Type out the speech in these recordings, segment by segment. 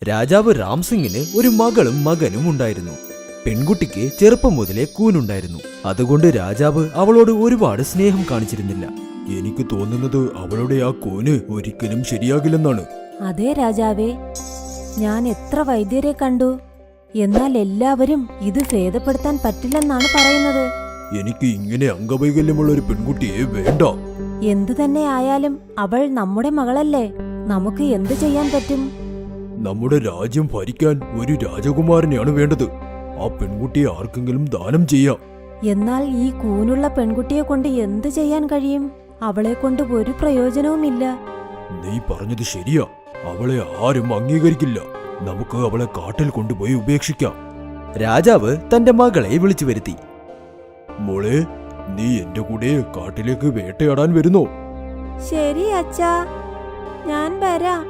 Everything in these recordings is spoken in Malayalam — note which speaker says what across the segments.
Speaker 1: രാജാവ് രാംസിംഗിന് ഒരു മകളും മകനും ഉണ്ടായിരുന്നു. പെൺകുട്ടിക്ക് ചെറുപ്പം മുതലേ കൂനുണ്ടായിരുന്നു. അതുകൊണ്ട് രാജാവ് അവളോട് ഒരുപാട് സ്നേഹം കാണിച്ചിരുന്നില്ല. എനിക്ക് തോന്നുന്നത് അവളുടെ ആ കൂന് ഒരിക്കലും ശരിയാകില്ലെന്നാണ്.
Speaker 2: അതെ രാജാവേ, ഞാൻ എത്ര വൈദ്യരെ കണ്ടു, എന്നാൽ എല്ലാവരും ഇത് ഭേദപ്പെടുത്താൻ പറ്റില്ലെന്നാണ് പറയുന്നത്.
Speaker 1: എനിക്ക് ഇങ്ങനെ അംഗവൈകല്യമുള്ള ഒരു പെൺകുട്ടിയെ വേണ്ട.
Speaker 2: എന്തു തന്നെ ആയാലും അവൾ നമ്മുടെ മകളല്ലേ, നമുക്ക് എന്തു ചെയ്യാൻ പറ്റും?
Speaker 1: നമ്മുടെ രാജ്യം ഭരിക്കാൻ ഒരു രാജകുമാരനെയാണ് വേണ്ടത്. ആ പെൺകുട്ടിയെ ആർക്കെങ്കിലും ദാനം ചെയ്യാം.
Speaker 2: എന്നാൽ ഈ കൂനുള്ള പെൺകുട്ടിയെ കൊണ്ട് എന്തു ചെയ്യാൻ കഴിയും? അവളെ കൊണ്ട് ഒരു പ്രയോജനവുമില്ല.
Speaker 1: നീ പറഞ്ഞത് ശരിയാ. അവളെ ആരും അംഗീകരിക്കില്ല. നമുക്ക് അവളെ കാട്ടിൽ കൊണ്ടുപോയി ഉപേക്ഷിക്കാം. രാജാവ് തന്റെ മകളെ വിളിച്ചു വരുത്തി. മോളെ, നീ എന്റെ കൂടെ കാട്ടിലേക്ക് വേട്ടയാടാൻ വരുന്നോ?
Speaker 2: ശരി അച്ഛാ, ഞാൻ വരാം.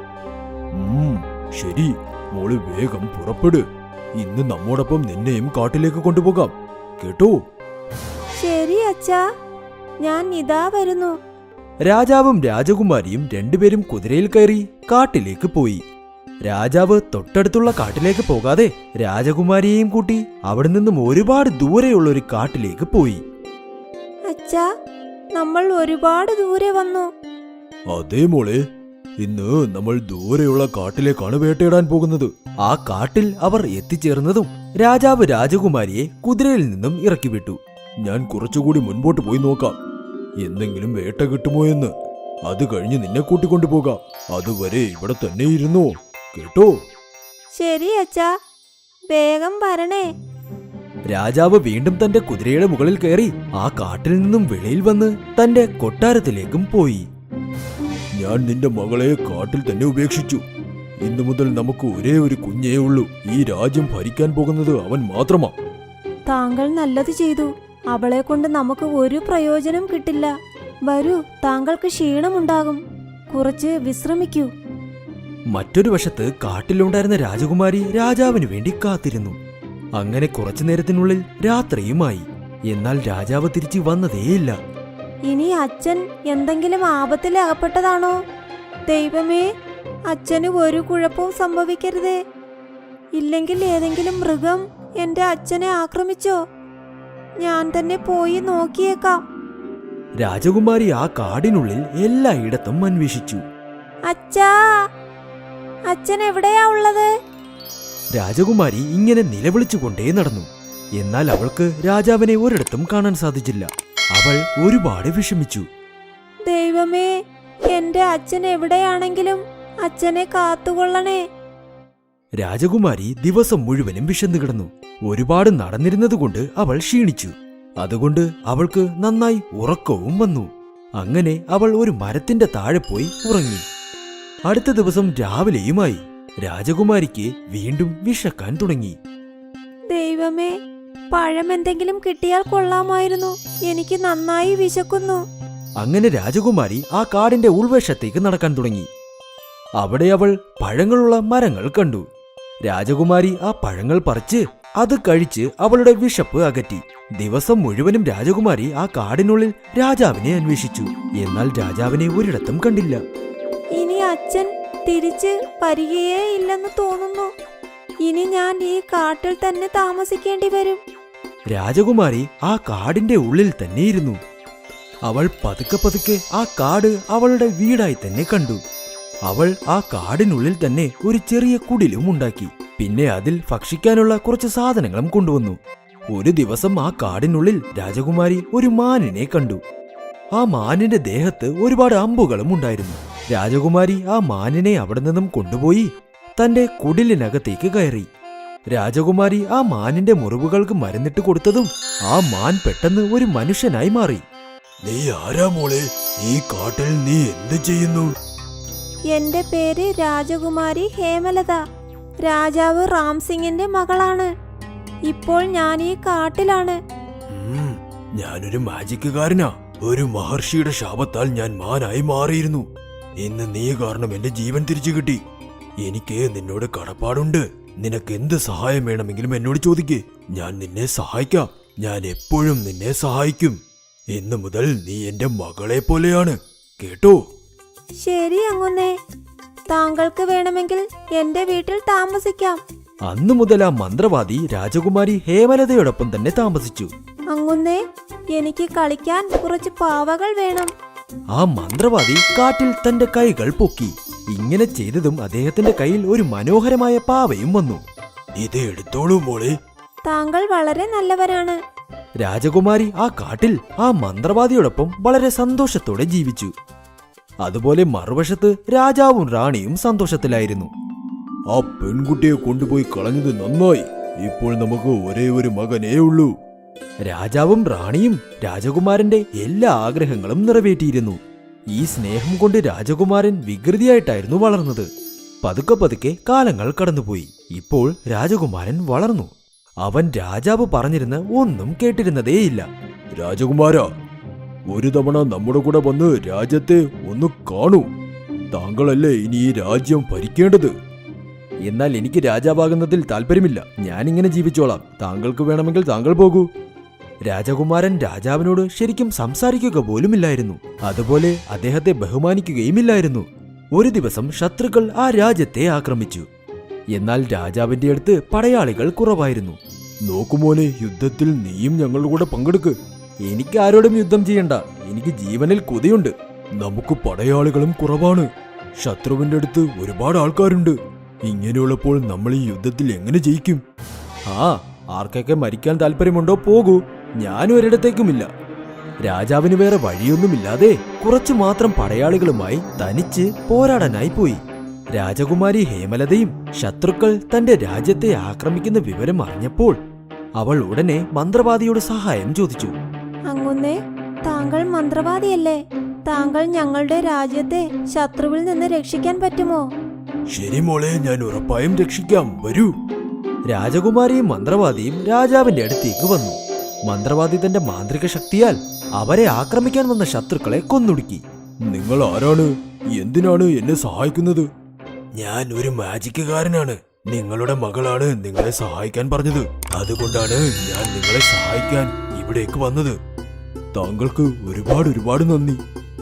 Speaker 1: ശരി, മോള് വേഗം പുറപ്പെട്. ഇന്ന് നമ്മോടൊപ്പം നിന്നെയും കാട്ടിലേക്ക് കൊണ്ടുപോകാം, കേട്ടോ?
Speaker 2: ശരി അച്ഛാ, ഞാൻ ഇതാ വരുന്നു.
Speaker 1: രാജാവും രാജകുമാരിയും രണ്ടുപേരും കുതിരയിൽ കയറി കാട്ടിലേക്ക് പോയി. രാജാവ് തൊട്ടടുത്തുള്ള കാട്ടിലേക്ക് പോകാതെ രാജകുമാരിയെയും കൂട്ടി അവിടെ നിന്നും ഒരുപാട് ദൂരെയുള്ള ഒരു കാട്ടിലേക്ക് പോയി.
Speaker 2: അച്ഛാ, നമ്മൾ ഒരുപാട് ദൂരെ വന്നു.
Speaker 1: അതേ മോളെ, ഇന്ന് നമ്മൾ ദൂരെയുള്ള കാട്ടിലേക്കാണ് വേട്ടയിടാൻ പോകുന്നത്. ആ കാട്ടിൽ അവർ എത്തിച്ചേർന്നതും രാജാവ് രാജകുമാരിയെ കുതിരയിൽ നിന്നും ഇറക്കി വിട്ടു. ഞാൻ കുറച്ചുകൂടി മുൻപോട്ട് പോയി നോക്കാം, എന്തെങ്കിലും വേട്ട കിട്ടുമോ എന്ന്. അത് കഴിഞ്ഞ് നിന്നെ കൂട്ടിക്കൊണ്ടുപോകാം. അതുവരെ ഇവിടെ തന്നെ ഇരുന്നോ, കേട്ടോ?
Speaker 2: ശരി അച്ഛാ, വേഗം വരണേ.
Speaker 1: രാജാവ് വീണ്ടും തന്റെ കുതിരയുടെ മുകളിൽ കയറി ആ കാട്ടിൽ നിന്നും വെളിയിൽ വന്ന് തന്റെ കൊട്ടാരത്തിലേക്കും പോയി. ഞാൻ നിന്റെ മകളെ കാട്ടിൽ തന്നെ ഉപേക്ഷിച്ചു. ഇന്നു മുതൽ നമുക്ക് ഒരേ ഒരു കുഞ്ഞേ ഉള്ളൂ. ഈ രാജ്യം ഭരിക്കാൻ പോകുന്നത് അവൻ മാത്രമാ.
Speaker 2: താങ്കൾ നല്ലത് ചെയ്തു. അവളെ കൊണ്ട് നമുക്ക് ഒരു പ്രയോജനം കിട്ടില്ല. വരൂ, താങ്കൾക്ക് ക്ഷീണമുണ്ടാകും, കുറച്ച് വിശ്രമിക്കൂ.
Speaker 1: മറ്റൊരു വശത്ത് കാട്ടിലുണ്ടായിരുന്ന രാജകുമാരി രാജാവിന് വേണ്ടി കാത്തിരുന്നു. അങ്ങനെ കുറച്ചു നേരത്തിനുള്ളിൽ രാത്രിയുമായി. എന്നാൽ രാജാവ് തിരിച്ചു വന്നതേയില്ല.
Speaker 2: ഇനി അച്ഛൻ എന്തെങ്കിലും ആപത്തിൽ അകപ്പെട്ടതാണോ? ദൈവമേ, അച്ഛന് ഒരു കുഴപ്പവും സംഭവിക്കരുതേ. ഇല്ലെങ്കിൽ ഏതെങ്കിലും മൃഗം എന്റെ അച്ഛനെ ആക്രമിച്ചോ? ഞാൻ തന്നെ പോയി നോക്കിയേക്കാം.
Speaker 1: രാജകുമാരി ആ കാടിനുള്ളിൽ എല്ലായിടത്തും അന്വേഷിച്ചു.
Speaker 2: അച്ഛാ, അച്ഛൻ എവിടെയാ ഉള്ളത്?
Speaker 1: രാജകുമാരി ഇങ്ങനെ നിലവിളിച്ചുകൊണ്ടേ നടന്നു. എന്നാൽ അവൾക്ക് രാജാവിനെ ഒരിടത്തും കാണാൻ സാധിച്ചില്ല. അവൾ ഒരുപാട് വിഷമിച്ചു.
Speaker 2: ദൈവമേ, എന്റെ അച്ഛൻ എവിടെയാണെങ്കിലും അച്ഛനെ കാത്തുകൊള്ളണേ.
Speaker 1: രാജകുമാരി ദിവസം മുഴുവനും വിശന്നു കിടന്നു. ഒരുപാട് നടന്നിരുന്നതുകൊണ്ട് അവൾ ക്ഷീണിച്ചു. അതുകൊണ്ട് അവൾക്ക് നന്നായി ഉറക്കവും വന്നു. അങ്ങനെ അവൾ ഒരു മരത്തിന്റെ താഴെ പോയി ഉറങ്ങി. അടുത്ത ദിവസം രാവിലെയുമായി. രാജകുമാരിക്ക് വീണ്ടും വിശക്കാൻ തുടങ്ങി.
Speaker 2: ദൈവമേ, പഴം എന്തെങ്കിലും കിട്ടിയാൽ കൊള്ളാമായിരുന്നു. എനിക്ക് നന്നായി വിശക്കുന്നു.
Speaker 1: അങ്ങനെ രാജകുമാരി ആ കാടിന്റെ ഉൾവശത്തേക്ക് നടക്കാൻ തുടങ്ങി. അവിടെ അവൾ പഴങ്ങളുള്ള മരങ്ങൾ കണ്ടു. രാജകുമാരി ആ പഴങ്ങൾ പറിച്ച് അത് കഴിച്ച് അവളുടെ വിശപ്പ് അകറ്റി. ദിവസം മുഴുവനും രാജകുമാരി ആ കാടിനുള്ളിൽ രാജാവിനെ അന്വേഷിച്ചു. എന്നാൽ രാജാവിനെ ഒരിടത്തും കണ്ടില്ല.
Speaker 2: ഇനി അച്ഛൻ തിരിച്ച് വരികയേ ഇല്ലെന്ന് തോന്നുന്നു. ഇനി ഞാൻ ഈ കാട്ടിൽ തന്നെ താമസിക്കേണ്ടി വരും.
Speaker 1: രാജകുമാരി ആ കാടിന്റെ ഉള്ളിൽ തന്നെ ഇരുന്നു. അവൾ പതുക്കെ പതുക്കെ ആ കാട് അവളുടെ വീടായി തന്നെ കണ്ടു. അവൾ ആ കാടിനുള്ളിൽ തന്നെ ഒരു ചെറിയ കുടിലും ഉണ്ടാക്കി. പിന്നെ അതിൽ ഭക്ഷിക്കാനുള്ള കുറച്ച് സാധനങ്ങളും കൊണ്ടുവന്നു. ഒരു ദിവസം ആ കാടിനുള്ളിൽ രാജകുമാരി ഒരു മാനിനെ കണ്ടു. ആ മാനിന്റെ ദേഹത്ത് ഒരുപാട് അമ്പുകളും ഉണ്ടായിരുന്നു. രാജകുമാരി ആ മാനിനെ അവിടെ നിന്നും കൊണ്ടുപോയി തന്റെ കുടിലിനകത്തേക്ക് കയറി. രാജകുമാരി ആ മാനിന്റെ മുറിവുകൾക്ക് മരുന്നിട്ട് കൊടുത്തതും ആ മാൻ പെട്ടെന്ന് ഒരു മനുഷ്യനായി മാറി. നീ ആരാ മോളെ? ഈ കാട്ടിൽ നീ എന്ത് ചെയ്യുന്നു?
Speaker 2: എന്റെ പേര് രാജകുമാരി ഹേമലത. രാജാവ് റാംസിംഗിന്റെ മകളാണ്. ഇപ്പോൾ ഞാൻ ഈ കാട്ടിലാണ്.
Speaker 1: ഞാനൊരു മാജിക്കുകാരനാ. ഒരു മഹർഷിയുടെ ശാപത്താൽ ഞാൻ മാനായി മാറിയിരുന്നു. ഇന്ന് നീ കാരണം എന്റെ ജീവൻ തിരിച്ചു കിട്ടി. എനിക്ക് നിന്നോട് കടപ്പാടുണ്ട്. നിനക്ക് എന്ത് സഹായം വേണമെങ്കിലും എന്നോട് ചോദിക്കേ. ഞാൻ നിന്നെ സഹായിക്കാം. ഞാൻ എപ്പോഴും നിന്നെ സഹായിക്കും. ഇന്നു മുതൽ നീ എന്റെ മകളെ പോലെയാണ്, കേട്ടോ?
Speaker 2: ശരി അങ്ങുന്നേ, താങ്കൾക്ക് വേണമെങ്കിൽ എന്റെ വീട്ടിൽ താമസിക്കാം.
Speaker 1: അന്നു മുതൽ ആ മന്ത്രവാദി രാജകുമാരി ഹേമലതയോടൊപ്പം തന്നെ താമസിച്ചു.
Speaker 2: അങ്ങുന്നേ, എനിക്ക് കളിക്കാൻ കുറച്ച് പാവകൾ വേണം.
Speaker 1: ആ മന്ത്രവാദി കാറ്റിൽ തന്റെ കൈകൾ പൊക്കി. ഇങ്ങനെ ചെയ്തതും അദ്ദേഹത്തിന്റെ കയ്യിൽ ഒരു മനോഹരമായ പാവയും വന്നു. ഇത് എടുത്തോളൂ മോളെ.
Speaker 2: താങ്കൾ വളരെ നല്ലവരാണ്.
Speaker 1: രാജകുമാരി ആ കാട്ടിൽ ആ മന്ത്രവാദിയോടൊപ്പം വളരെ സന്തോഷത്തോടെ ജീവിച്ചു. അതുപോലെ മറുവശത്ത് രാജാവും റാണിയും സന്തോഷത്തിലായിരുന്നു. ആ പെൺകുട്ടിയെ കൊണ്ടുപോയി കളഞ്ഞത് നന്നായി. ഇപ്പോൾ നമുക്ക് ഒരേ ഒരു മകനേ ഉള്ളൂ. രാജാവും റാണിയും രാജകുമാരന്റെ എല്ലാ ആഗ്രഹങ്ങളും നിറവേറ്റിയിരുന്നു. ഈ സ്നേഹം കൊണ്ട് രാജകുമാരൻ വികൃതിയായിട്ടായിരുന്നു വളർന്നത്. പതുക്കെ പതുക്കെ കാലങ്ങൾ കടന്നുപോയി. ഇപ്പോൾ രാജകുമാരൻ വളർന്നു. അവൻ രാജാവ് പറഞ്ഞിരുന്ന ഒന്നും കേട്ടിരുന്നതേയില്ല. രാജകുമാര, ഒരു തവണ നമ്മുടെ കൂടെ വന്ന് രാജ്യത്തെ ഒന്ന് കാണൂ. താങ്കളല്ലേ ഇനി ഈ രാജ്യം ഭരിക്കേണ്ടത്. എന്നാൽ എനിക്ക് രാജാവാകുന്നതിൽ താല്പര്യമില്ല. ഞാനിങ്ങനെ ജീവിച്ചോളാം. താങ്കൾക്ക് വേണമെങ്കിൽ താങ്കൾ പോകൂ. രാജകുമാരൻ രാജാവിനോട് ശരിക്കും സംസാരിക്കുക പോലുമില്ലായിരുന്നു. അതുപോലെ അദ്ദേഹത്തെ ബഹുമാനിക്കുകയുമില്ലായിരുന്നു. ഒരു ദിവസം ശത്രുക്കൾ ആ രാജ്യത്തെ ആക്രമിച്ചു. എന്നാൽ രാജാവിന്റെ അടുത്ത് പടയാളികൾ കുറവായിരുന്നു. നോക്കുമോനെ, യുദ്ധത്തിൽ നീയും ഞങ്ങളുടെ കൂടെ പങ്കെടുക്ക്. എനിക്ക് ആരോടും യുദ്ധം ചെയ്യണ്ട. എനിക്ക് ജീവനിൽ കൊതിയുണ്ട്. നമുക്ക് പടയാളികളും കുറവാണ്. ശത്രുവിന്റെ അടുത്ത് ഒരുപാട് ആൾക്കാരുണ്ട്. ഇങ്ങനെയുള്ളപ്പോൾ നമ്മൾ ഈ യുദ്ധത്തിൽ എങ്ങനെ ജയിക്കും? ആർക്കൊക്കെ മരിക്കാൻ താല്പര്യമുണ്ടോ പോകൂ. ഞാനും ഒരിടത്തേക്കുമില്ല. രാജാവിന് വേറെ വഴിയൊന്നുമില്ലാതെ കുറച്ചു മാത്രം പടയാളികളുമായി തനിച്ച് പോരാടാനായി പോയി. രാജകുമാരി ഹേമലതയും ശത്രുക്കൾ തന്റെ രാജ്യത്തെ ആക്രമിക്കുന്ന വിവരം അറിഞ്ഞപ്പോൾ അവൾ ഉടനെ മന്ത്രവാദിയോട് സഹായം ചോദിച്ചു.
Speaker 2: അങ്ങുന്നേ, താങ്കൾ മന്ത്രവാദിയല്ലേ? താങ്കൾ ഞങ്ങളുടെ രാജ്യത്തെ ശത്രുവിൽ നിന്ന് രക്ഷിക്കാൻ പറ്റുമോ?
Speaker 1: ശരി മോളെ, ഞാൻ ഉറപ്പായും രക്ഷിക്കാം. വരൂ. രാജകുമാരിയും മന്ത്രവാദിയും രാജാവിന്റെ അടുത്തേക്ക് വന്നു. മന്ത്രവാദി തന്റെ മാന്ത്രിക ശക്തിയാൽ അവരെ ആക്രമിക്കാൻ വന്ന ശത്രുക്കളെ കൊന്നൊടുക്കി. നിങ്ങൾ ആരാണ്? എന്തിനാണ് എന്നെ സഹായിക്കുന്നത്? ഞാൻ ഒരു മാജിക്കുകാരനാണ്. നിങ്ങളുടെ മകളാണ് നിങ്ങളെ സഹായിക്കാൻ പറഞ്ഞത്. അതുകൊണ്ടാണ് ഞാൻ നിങ്ങളെ സഹായിക്കാൻ ഇവിടേക്ക് വന്നത്. താങ്കൾക്ക് ഒരുപാട് നന്ദി.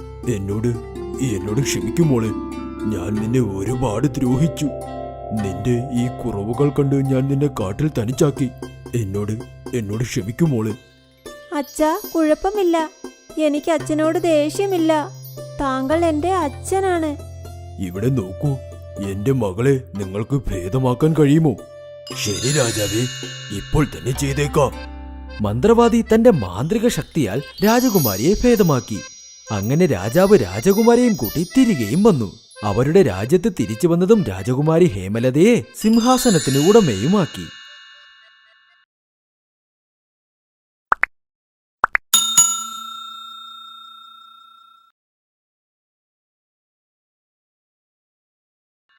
Speaker 1: എന്നോട് ക്ഷമിക്കുമോളെ. ഞാൻ നിന്നെ ഒരുപാട് ദ്രോഹിച്ചു. നിന്റെ ഈ കുറവുകൾ കണ്ട് ഞാൻ നിന്നെ കാട്ടിൽ തനിച്ചാക്കി. എന്നോട് ക്ഷമിക്കുമോളെ.
Speaker 2: അച്ഛാ, കുഴപ്പമില്ല. എനിക്ക് അച്ഛനോട് ദേഷ്യമില്ല. താങ്കൾ എന്റെ അച്ഛനാണ്.
Speaker 1: ഇവിടെ നോക്കൂ, എന്റെ മകളെ നിങ്ങൾക്ക് ഭേദമാക്കാൻ കഴിയുമോ? ശരി രാജാവേ, ഇപ്പോൾ തന്നെ ചെയ്തേക്കാം. മന്ത്രവാദി തന്റെ മാന്ത്രിക ശക്തിയാൽ രാജകുമാരിയെ ഭേദമാക്കി. അങ്ങനെ രാജാവ് രാജകുമാരിയെയും കൂട്ടി തിരികെയും വന്നു. അവരുടെ രാജ്യത്ത് തിരിച്ചു വന്നതും രാജകുമാരി ഹേമലതയെ സിംഹാസനത്തിന് ഉടമയുമാക്കി.